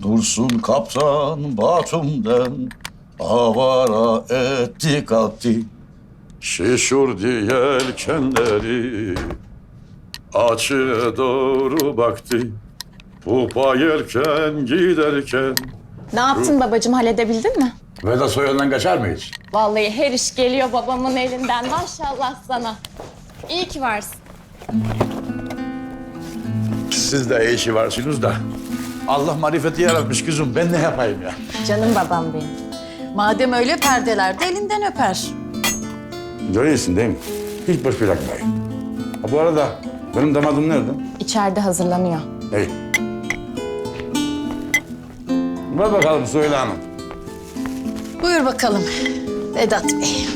Dursun kaptan Batum'dan avara etti kalktı. Şişurdu yelkenleri, açığa doğru baktı. Pupa yelken giderken. Ne yaptın babacığım, halledebildin mi? Vedat soyundan kaçar mı hiç? Vallahi her iş geliyor babamın elinden. Maşallah sana. İyi ki varsın. Siz de iyi işi varsınız da. Allah marifeti yaratmış kızım. Ben ne yapayım ya? Canım babam benim. Madem öyle perdeler de elinden öper. Görüyorsun değil mi? Hiç boş bırakmayın. Ha, bu arada benim damadım nerede? İçeride hazırlanıyor. Hey. Ver bakalım Söyle Hanım. Buyur bakalım Vedat Bey.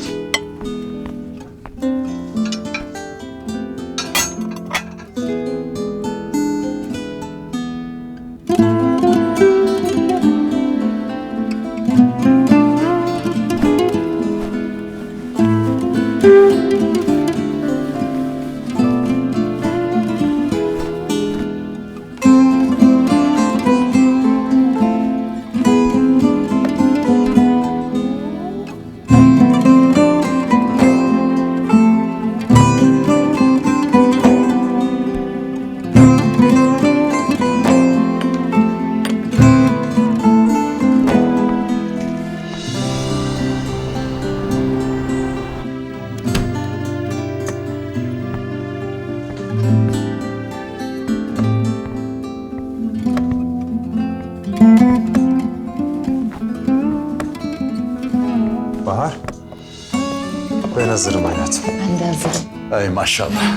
Bahar, ben hazırım hayatım. Ben de hazırım. Ey maşallah.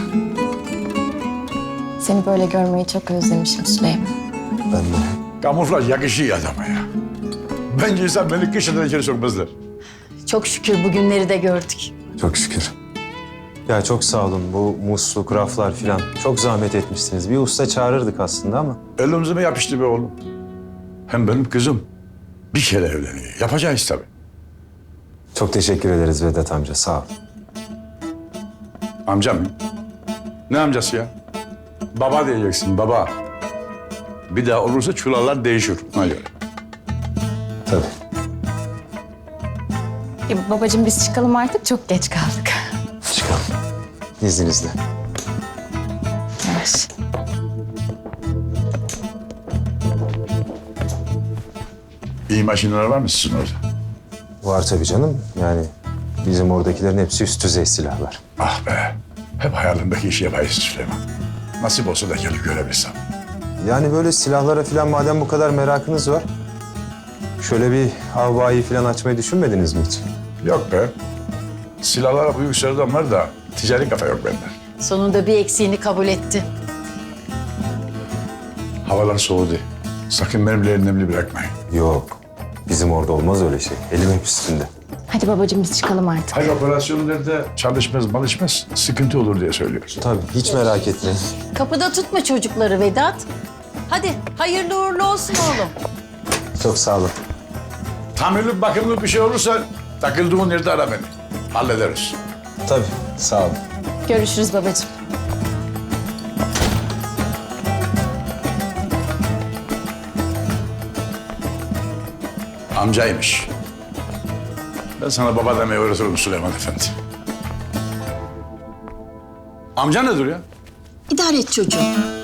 Seni böyle görmeyi çok özlemişim Süleyman. Ben de. Kamuflaj yakışıyor adama ya. Bence insan beni kışından içeri sokmazlar. Çok şükür bugünleri de gördük. Çok şükür. Ya çok sağ olun. Bu musluk, raflar filan çok zahmet etmişsiniz. Bir usta çağırırdık aslında ama. Elimize mi yapıştı be oğlum? Hem benim kızım bir kere evleniyor. Yapacağız tabii. Çok teşekkür ederiz Vedat amca, sağ ol. Amcam mı? Ne amcası ya? Baba diyeceksin, baba. Bir daha olursa çulallar değişir. Ona göre. Tabii. Babacığım biz çıkalım artık, çok geç kaldık. Çıkalım. İzninizle. Yavaş. İyi makineler var mı sizin orada? Var tabii canım. Yani bizim oradakilerin hepsi üst düzey silahlar. Ah be. Hep hayalimdeki işi yapayız Süleyman. Nasip olsa da gelip görebilsem. Yani böyle silahlara filan madem bu kadar merakınız var... ...şöyle bir havayı filan açmayı düşünmediniz mi hiç? Yok be. Silahlara büyük sevdam var da ticari kafa yok bende. Sonunda bir eksiğini kabul etti. Havalar soğudu. Sakın benimle nemli bırakmayın. Yok. Bizim orada olmaz öyle şey. Elim hep üstünde. Hadi babacığım biz çıkalım artık. Hayır operasyonlarda çalışmaz malışmaz sıkıntı olur diye söylüyoruz. Tabii, hiç merak etmeyin. Kapıda tutma çocukları Vedat. Hadi hayırlı uğurlu olsun oğlum. Çok sağ olun. Tamirli bakımlı bir şey olursa takıldığın yerde ara beni. Hallederiz. Tabii, sağ olun. Görüşürüz babacığım. Amcaymış. Ben sana baba demeyi öğretirim Süleyman Efendi. Amca nedir ya? İdare et çocuğum.